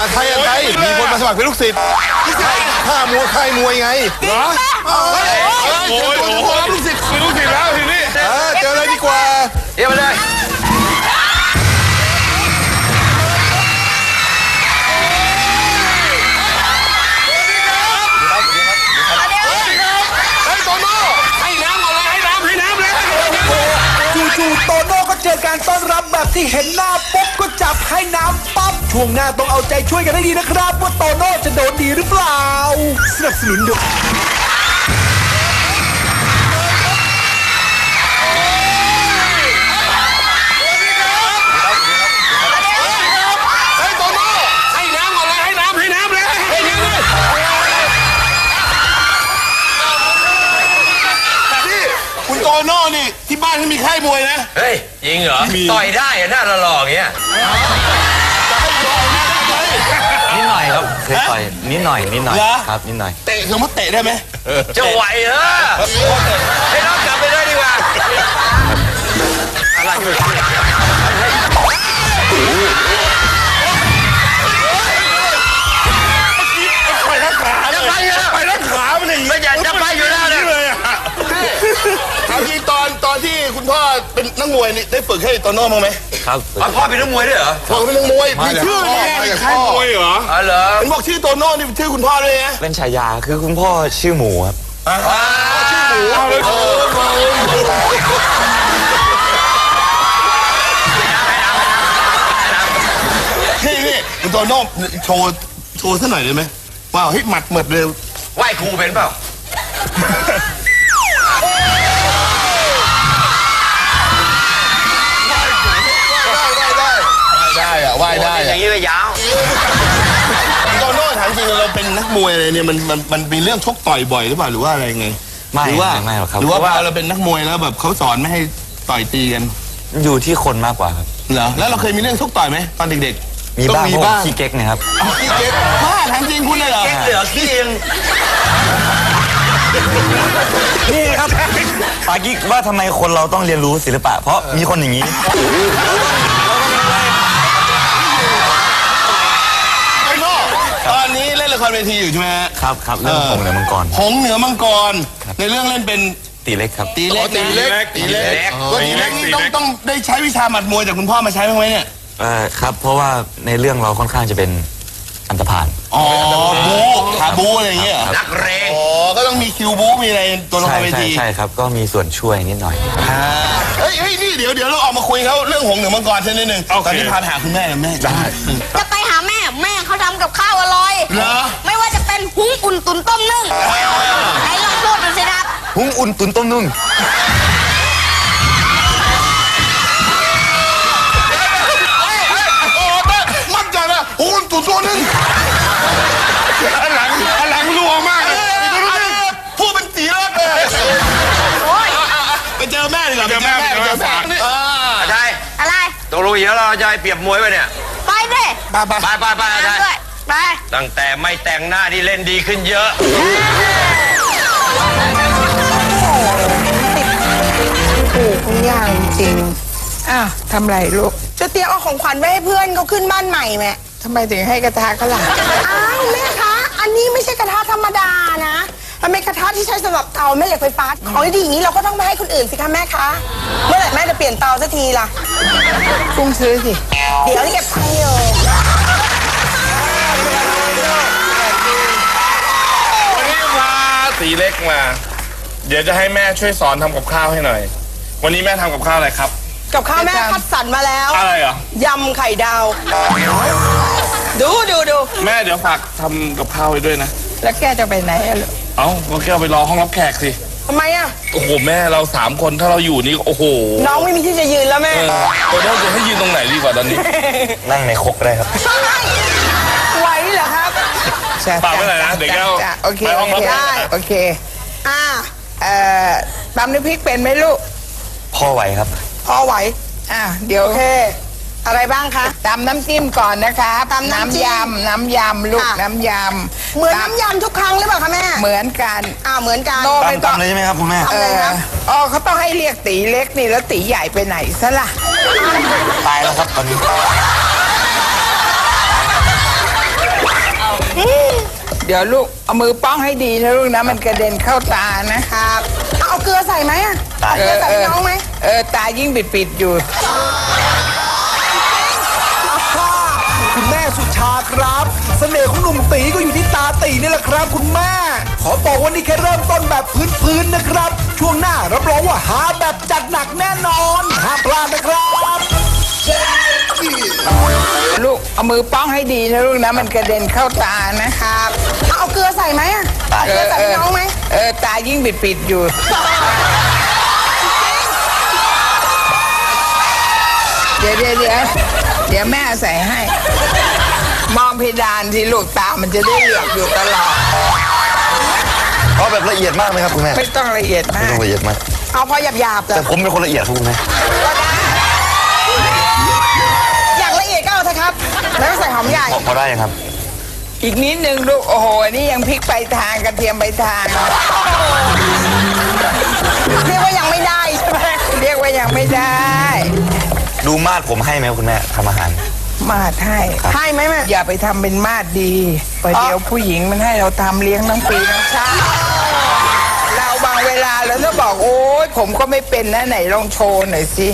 ไทยมีคนมาสมัครเป็นลูกศิษย์ค่ายมวยไงเหรอโอ้ยลูกศิษย์แล้วทีนี้เจอเลยดีกว่าเดี๋ยวมาเลยจู่ๆโตโน่ก็เจอการต้อนรับแบบที่เห็นหน้าปุ๊บก็จับให้น้ำปั๊บช่วงหน้าต้องเอาใจช่วยกันให้ดีนะครับว่าโตโน่จะโดนดีหรือเปล่าสนับสนุนโดยโตโน่นี่ที่บ้านเขามีค่ายมวยนะเฮ้ยจริงเหรอต่อยได้อะหน้าหล่อๆอย่างเงี้ยนิดหน่อยครับเคยต่อยนิดหน่อยครับนิดหน่อยเตะสมมติเตะได้ไหมจะไหวเหรอให้น้องกลับไปเลยดีกว่าอะไรอยู่ไปรักขามันอย่างนี้ไม่อยากจะไปอยู่แล้วเลยเอาจริงตอนที่คุณพ่อเป็นนักมวยนี่ได้ฝึกให้โตโน่มั้งไหมครับพ่อเป็นนักมวยด้วยเหรอพ่อเป็นนักมวยมีชื่อค่ายมวยเหรอเหรอเห็นบอกชื่อโตโน่นี่ชื่อคุณพ่อด้วยนะเป็นฉายาคือคุณพ่อชื่อหมูครับชื่อหมูนี่คุณโตโน่โชว์สักหน่อยได้ไหมว้าวเฮ้ยหมัดเหมือดเลยไหว้ครูเป็นเปล่าว่ายได้อย่างนี้ก็ยาวโตโน่ถามจริงเราเป็นนักมวยอะไรเนี่ยมันมีเรื่องชกต่อยบ่อยหรือเปล่าหรือว่าอะไรไงไม่หรอกครับหรือว่าเราเป็นนักมวยแล้วแบบเขาสอนไม่ให้ต่อยตีกันอยู่ที่คนมากกว่าครับเหรอแล้วเราเคยมีเรื่องชกต่อยไหมตอนเด็กๆมีบ้างขี้เก๊กนะครับขี้เก๊กถามจริงคุณเลยเหรอเก๊กเหรอขี้เองนี่ครับปากิ๊กว่าทำไมคนเราต้องเรียนรู้ศิลปะเพราะมีคนอย่างนี้ตอนนี้เล่นละครเวทีอยู่ใช่ไหมครับเรื่องหงเหนือมังกรหงเหนือมังกรในเรื่องเล่นเป็นตีเล็กครับตีเล็กนี่ต้องได้ใช้วิชาหมัดมวยจากคุณพ่อมาใช้บ้างไหมเนี่ยครับเพราะว่าในเรื่องเราค่อนข้างจะเป็นอันธพาลบูขาบูอะไรอย่างเงี้ยนักเรงก็ต้องมีคิวบูมีอะไรตัวละครเวทีใช่ครับก็มีส่วนช่วยนิดหน่อยเฮ้ยนี่เดี๋ยวเราออกมาคุยเขาเรื่องหงเหนือมังกรเช่นนิดนึงตอนนี้พาไปหาคุณแม่นะแม่ได้จะไปหาแม่เขาทำกับข้าวอร่อยไม่ว่าจะเป็นหุงอุ่นตุ๋นต้มนึ่งไหนลองพูดดูสิครับหุงอุ่นตุ๋นต้มนึ่งมั่นใจนะหุงอุ่นตุ๋นต้มนึ่งหลังรัวมากพูดเป็นตีรถเลยไปเจอแม่ดีกว่าไปเจอแม่อะไรตกลงอย่างเราจะเปรียบมวยไปเนี่ยไปดิไปตั้งแต่ไม่แต่งหน้าที่เล่นดีขึ้นเยอะถูกทุกอย่างจริงทำไรลูกจะเตรียมเอาของขวัญไว้ให้เพื่อนเขาขึ้นบ้านใหม่แม่ทำไมถึงให้กระทะเขาล่ะแม่คะอันนี้ไม่ใช่กระทะธรรมดานะมันเป็นกระทะที่ใช้สำหรับเตาแม่เหล็กไฟฟ้าของดีอย่างนี้เราก็ต้องไปให้คนอื่นสิคะแม่คะเมื่อไหร่แม่จะเปลี่ยนเตาสักทีล่ะกุ้งซื้อสิเดี๋ยวเก็บตังค์อยู่วันนี้พาตีเล็กมาเดี๋ยวจะให้แม่ช่วยสอนทำกับข้าวให้หน่อยวันนี้แม่ทำกับข้าวอะไรครับกับข้าวแม่คัดสรรมาแล้วอะไรเหรอยำไข่ดาวดูแม่เดี๋ยวฝากทำกับข้าวไว้ด้วยนะแล้วแกจะไปไหนอะลูกก็แกไปรอห้องรับแขกสิทำไมอะโอ้โหแม่เรา3 คนถ้าเราอยู่นี่โอ้โหน้องไม่มีที่จะยืนแล้วแม่ตัวน้องจะให้ยืนตรงไหนดีกว่าตอนนี้นั่งในครกได้ครับไหวเหรอครับฝากไว้หน่อยนะเดี๋ยวแกไปห้องรับแขกโอเคตำน้ำพริกเป็นไหมลูกพ่อไหวครับพ่อไหวเดี๋ยวอะไรบ้างคะตำน้ำจิ้มก่อนนะคะตำน้ำยำลูกน้ำยำเหมือนน้ำยำทุกครั้งหรือเปล่าคะแม่เหมือนกันเหมือนกันตำเลยใช่ไหมครับคุณแม่เขาต้องให้เรียกตีเล็กนี่แล้วตีใหญ่ไปไหนซะล่ะตายแล้วครับตอนนี้เดี๋ยวลูกเอามือป้องให้ดีนะลูกนะมันกระเด็นเข้าตานะครับเอาเกลือใส่ไหมอะเกลือใส่ให้น้องไหมตายิ่งปิดๆอยู่คุณแม่สุชาครับ เสน่ห์ของหนุ่มตีก็อยู่ที่ตาตีนี่แหละครับคุณแม่ ขอบอกว่านี่แค่เริ่มต้นแบบพื้นๆนะครับ ช่วงหน้ารับรองว่าหาแบบจัดหนักแน่นอนห้ามพลาดนะครับลูกเอามือป้องให้ดีนะลูกนะมันกระเด็นเข้าตานะครับเอาเกลือใส่ไหมอะเกลือใส่ให้น้องไหมตายิ่งปิดๆอยู่ เดี๋ยวแม่ใส่ให้ มองเพดานที่ลูกตามันจะได้เหลือกอยู่ตลอดเอาแบบละเอียดมากไหมครับคุณแม่ไม่ต้องละเอียดมาไม่กต้องละเอียดมากเอาพอหยาบๆแต่ผมเป็นคนละเอียดครับคุณแม่อยากละเอียดก็เอาเถอะครับ แล้วก็ใส่หอมใหญ่พอได้ยังครับอีกนิดนึงลูกโอ้โหนี่ยังพริกไปทางกระเทียมไปทางเรียกว่ายังไม่ได้ใช่ไหมเรียกว่ายังไม่ได้ดูมาดผมให้ไหมครับคุณแม่ทำอาหารมาดให้ให้ไหมแม่อย่าไปทำเป็นมาดดีประเดี๋ยวผู้หญิงมันให้เราทำเลี้ยงทั้งปีทั้งชาติเราบางเวลาเราต้องบอกโอ๊ยผมก็ไม่เป็นนะไหนลองโชว์หน่อยสิ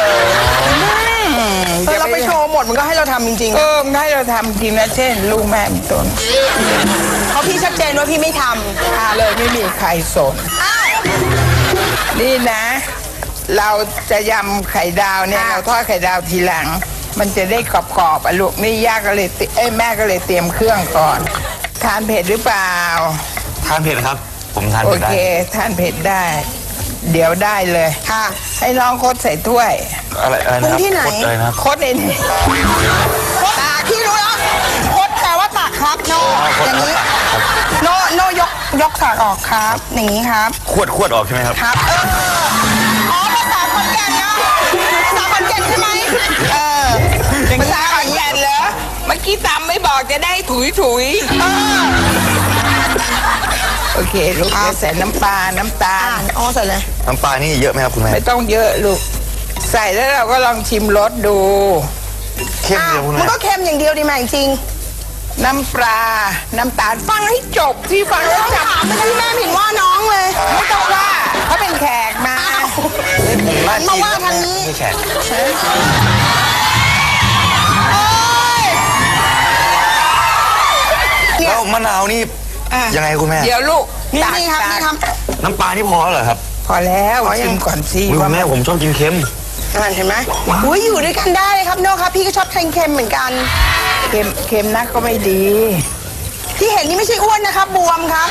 เราไปโชว์หมดมันก็ให้เราทำจริงมันให้เราทำจริงนะเช่นลูกแม่เป็นต้นๆเพราะพี่ชัดเจนว่าพี่ไม่ทเลยไม่มีใครสนนี่นะ เราจะยำไข่ดาวเนี่ยเราทอดไข่ดาวทีหลัง มันจะได้กรอบๆอ่ะลูกนี่ย่าก็เลยแม่ก็เลยเตรียมเครื่องก่อน ทานเผ็ดหรือเปล่าทานเผ็ดครับ ผมทานโอเผ็ดได้เคทานเผ็ดได้ เดี๋ยวได้เลยค่ะให้น้องคดใส่ถ้วยอะไรนะครับที่ไหนกดเลยนะครับคดในนี่ำตากพี่รู้แล้วคดแปลว่าตักครับโนอย่างนี้โนยกตักออกครับ อย่างนี้ครับขวดออกใช่ไหมครับครับอ๋อภาษาขอนแก่นนะภาษาขอนแก่นใช่ไหมภาษาขอนแก่นเหรอเมื่อกี้ตำไม่บอกจะได้ถุยโอเคลูกจะใส่น้ำปลาน้ำตาลอ๋อใส่เลยน้ำปลานี่เยอะไหมครับคุณแม่ไม่ต้องเยอะลูกใส่แล้วเราก็ลองชิมรสดูเข้มเดียวคุณมันแม่ก็เค็มอย่างเดียวดีไหมจริงน้ำปลาน้ำตาลฟังให้จบที่ฟังให้จบถามไม่ได้แม่ผิดว่าน้องเลยไม่ต้องว่าเขาเป็นแขกมามาว่าทางนี้ไม่แขก แล้วมะนาวนี่ยังไงคุณแม่เดี๋ยวลูกนี่ครับตักนี่ครับน้ำปลานี่พอแล้วเหรอครับพอแล้วชิมก่อนสิอุ๊ยคุณแม่ผมชอบกินเค็มเห็นไหมอุ้ยอยู่ด้วยกันได้เลยครับโน่ครับพี่ก็ชอบเค็มๆเหมือนกันเค็มนักก็ไม่ดีที่เห็นนี่ไม่ใช่อ้วนนะครับบวมครับ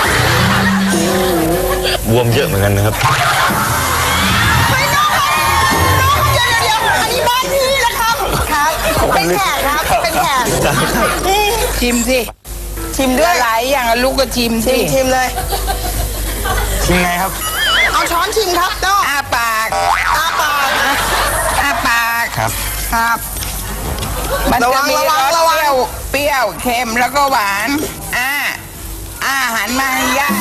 บวมเยอะเหมือนกันนะครับไม่น้องครับน้องเดี๋ยวอันนี้บ้านพี่นะครับครับเป็นแขกครับเป็นแขกชิมสิชิมด้วยหลายอย่างอะลูกก็ชิมสิชิมเลยชิมไงครับเอาช้อนชิมครับโน่อ้าปากอ้าปากอ้าปากครับครับมันจะมีรสระวังเปรี้ยวเค็มแล้วก็หวานหันมาให้ย่า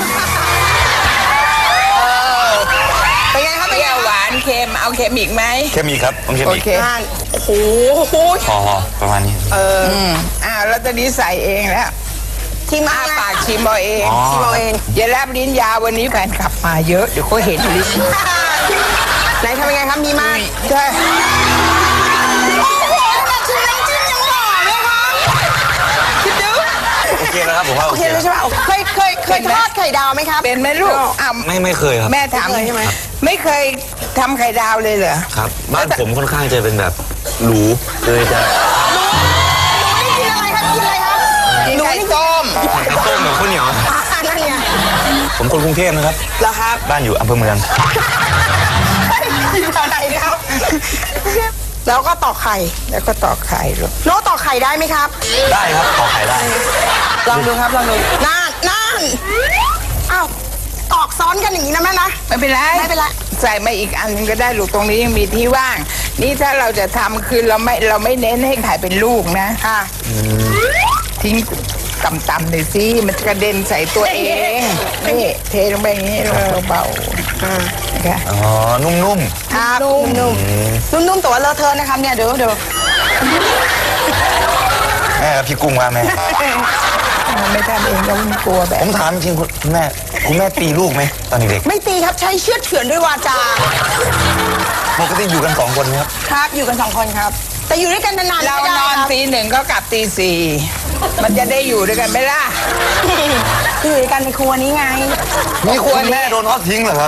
เป็นไงครับเปเป็นรี้ไงยวหวานเค็มเอาเค็มอีกไหมเค็มอีกครับต้องเค็มโออีกเคโอ้โหพอประมาณนี้แล้วตอนนี้ใส่เองแล้วชิมอ้าอะไรปากชิมเอาเองอ๋อชิมเอาเองอย่าแลบลิ้นยาววันนี้แฟนขับมาเยอะเดี๋ยวเขาเห็นลิ้นไหนทำยังไงครับมีมากใช่โอ้โหแต่ชิมน้ำจิ้มยังหล่อเลยครับคิดดูโอเคแล้วครับผมว่าโอโอเคเคเลยใช่ไหมเคยทอดไข่ดาวไหมครับเป็นไหมลูกอ้าวไม่เคยครับแม่ถามไม่เคยใช่ไหมไม่เคยทำไข่ดาวเลยเหรอครับ บ้านผมค่อนข้างจะเป็นแบบหรูเลยจะนี่กินอะไรครับกินอะไรครับกินไข่ต้มต้มกับข้าวเหนียวนั่นไงผมคนกรุงเทพนะครับเหรอครับบ้านอยู่อำเภอเมืองกินอะไรครับ แล้วก็ตอกไข่แล้วก็ตอกไข่ลูกโน้ตตอกไข่ได้ไหมครับได้ครับขอขายได้ลองดูครับลองดูนั่นอ้าวตอกซ้อนกันอย่างนี้นะแม่นะไม่เป็นไรไม่เป็นไรใส่มาอีกอันนึงก็ได้ลูกตรงนี้ยังมีที่ว่าง นี่ถ้าเราจะทำคือเราไม่เน้นให้ไข่เป็นลูกนะค่ะทิ้งต่ำๆหน่อยสิมันจะกระเด็นใส่ตัวเองนี่เทลงไปอย่างนี้เบาๆนะคะอ๋อ นุ่มครับนุ่มแต่ว่าเลอะเทอะนะครับเนี่ยเดี๋ยวๆแม่กับพี่กุ้งว่าแม่มันไม่ทำเองแล้วมันกลัวแบบผมถามจริงคุณแม่ตีลูกไหมตอนเด็กไม่ตีครับใช้เชือดเฉือนด้วยวาจาๆปกติอยู่กัน2 คนไหมครับครับอยู่กัน2 คนครับ แต่อยู่ด้วยกันนานๆเราไม่ได้นอนครับตี 1ก็กลับตี 4มันจะได้อยู่ด้วยกันไหมล่ะคืออยู่ด้วยกันในครัวนี้ไงนี่คุณแม่โดนทอดทิ้งเหรอครับ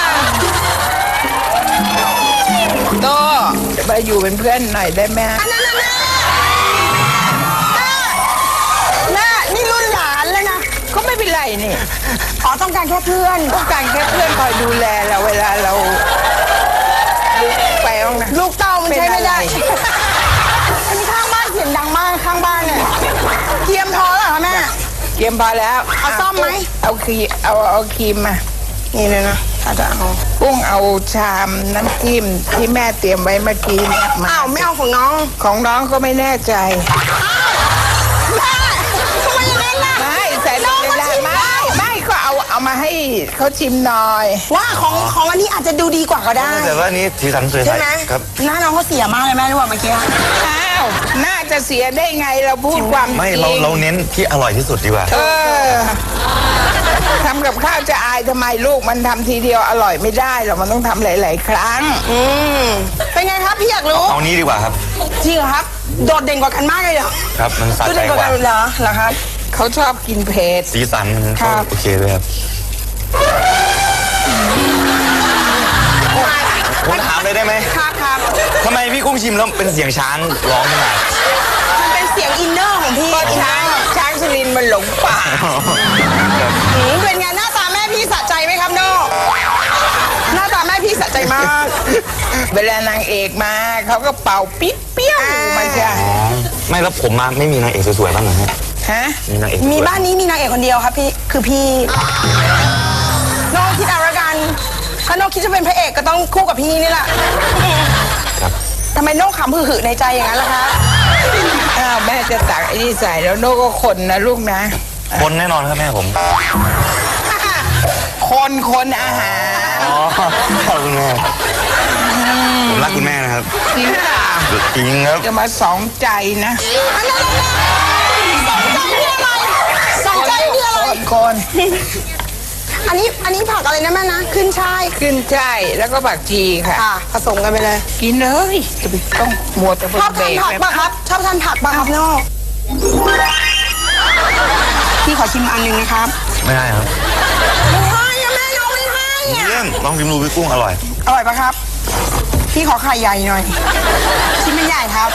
โตจะมาอยู่เป็นเพื่อนหน่อยได้ไหมแม่นี่รุ่นหลานแล้วนะก็ไม่เป็นไรนี่อ๋อต้องการแค่เพื่อนต้องการแค่เพื่อนคอยดูแลเราเวลาเราไปห้องน้ำลูกเต้ามันใช้ไม่ได้เป็นอะไรอันนี้ข้างบ้านเสียงดังมากข้างบ้านเนี่ยเทียมพอแล้วเหรอคะแม่เยี่ยมพอแล้วเอาซ่อมไหมเอาครีมเอาครีมมานี่เลยนะถ้าจะเอากุ้งเอาชามน้ำจิ้มที่แม่เตรียมไว้เมื่อกี้เนี่ยมาอ้าวไม่เอาของน้องของน้องก็ไม่แน่ใจแม่ทำไมอย่างนั้นล่ะไม่ใส่น้องในก็ร้าชินมไม่ได้ไม่ก็เอามาให้เขาชิมหน่อยว่าของอันนี้อาจจะดูดีกว่าก็ได้แต่ว่านี่สีสันสวยใช่ไหมครับหน้าน้องเขาเสียมากเลยแม่รู้ป่ะเมื่อกี้อ้าวน่าจะเสียได้ไงเราพูดความจริงไม่เราเน้นที่อร่อยที่สุดดีกว่าทำกับข้าวจะอายทำไมลูกมันทำทีเดียวอร่อยไม่ได้หรอกมันต้องทำหลาย ๆ ครั้งเป็นไงครับพี่อยากรู้เอานี้ดีกว่าครับจริงเหรอครับโดดเด่นกว่ากันมากเลยเหรอครับมันสะโดดใจเด่นกกว่าว่ากันเหรอครับเขาชอบกินเผ็ดสีสันมันครัก็บโอเคเลยครับผมถามเลยได้ไหมครับทำไมพี่กุ้งชิมแล้วเป็นเสียงช้างร้องขึ้นมามันเป็นเสียงอินเนอร์ของพี่ก็ช้างชลินมันหลงป่าเป็นไงหน้าตาแม่พี่สะใจไหมครับโน่หน้าตาแม่พี่สะใจมากเวลานางเอกมาเขาก็เป่าปิ๊บเปี้ยวมาจ้ะไม่แล้วผมมาไม่มีนางเอกสวยๆบ้างเหรอฮะฮะมีนางเอกมีสวยบ้านนี้มีนางเอกคนเดียวครับพี่คือพี่โน่คิดเอาละกันถ้าโน่คิดจะเป็นพระเอกก็ต้องคู่กับพี่นี่แหละครับทำไมโน่ขำหึ่ๆในใจอย่างนั้นล่ะคะอ้าวแม่จะตักไอ้นี่ใส่แล้วโน่ก็คนนะลูกนะคนแน่นอนครับแม่ผมคนอาหารอ๋อขอบคุณแม่ผมรักคุณแม่นะครับจริงเปล่าจริงครับจะมาสองใจนะสองใจคืออะไรคนอันนี้ผักอะไรนะแม่นะขึ้นช่ายขึ้นช่ายแล้วก็ผักชีค่ะค่ะผสมกันไปเลยกินเลยจะไปต้องมัวแต่ชอบทานผักปะครับชอบทานผักปะครับโน่พี่ขอชิมอันหนึ่งนะครับไม่ได้ครับไม่ให้อะแม่น้องไม่ให้อะเยี่ยมลองชิมดูพี่กุ้งอร่อยอร่อยปะครับ พี่ขอไข่ใหญ่หน่อยชิ้นไม่ใหญ่ครับ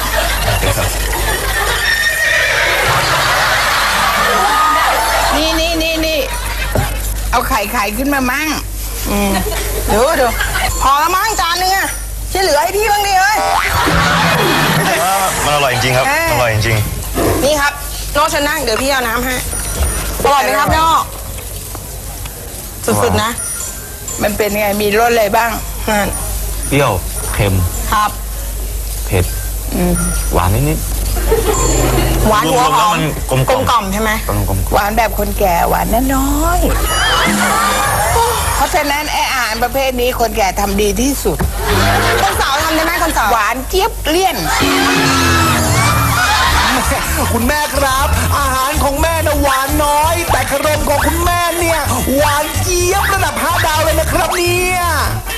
นี่เอาไข่ขึ้นมามั่งดูพอละมั้งจานนึงอะที่เหลือให้พี่บ้างดิเอ้ยแต่ว่ามันอร่อยจริงๆครับ อร่อยจริงนี่ครับโน่ฉันนั่งเดี๋ยวพี่เอาน้ำให้อร่อยไหมครับโน่สุดๆนะมันเป็นไงมีรสอะไรบ้างนั่นๆเปรี้ยว เค็มครับเผ็ด หวานนิดหวานหัวหอมกลมกลมกล่อมใช่ไหมๆกลมหวานแบบคนแก่หวานน้อยๆเพราะฉะนั้นไอ้อาหารประเภทนี้คนแก่ทำดีที่สุดคนสาวทำได้ไหมคนสาวหวานเจี๊ยบเลี่ยนคุณแม่ครับ อาหารของแม่นะหวานน้อย แต่ขนมของคุณแม่เนี่ย หวานเจี๊ยบระดับ5 ดาวเลยนะครับเนี่ย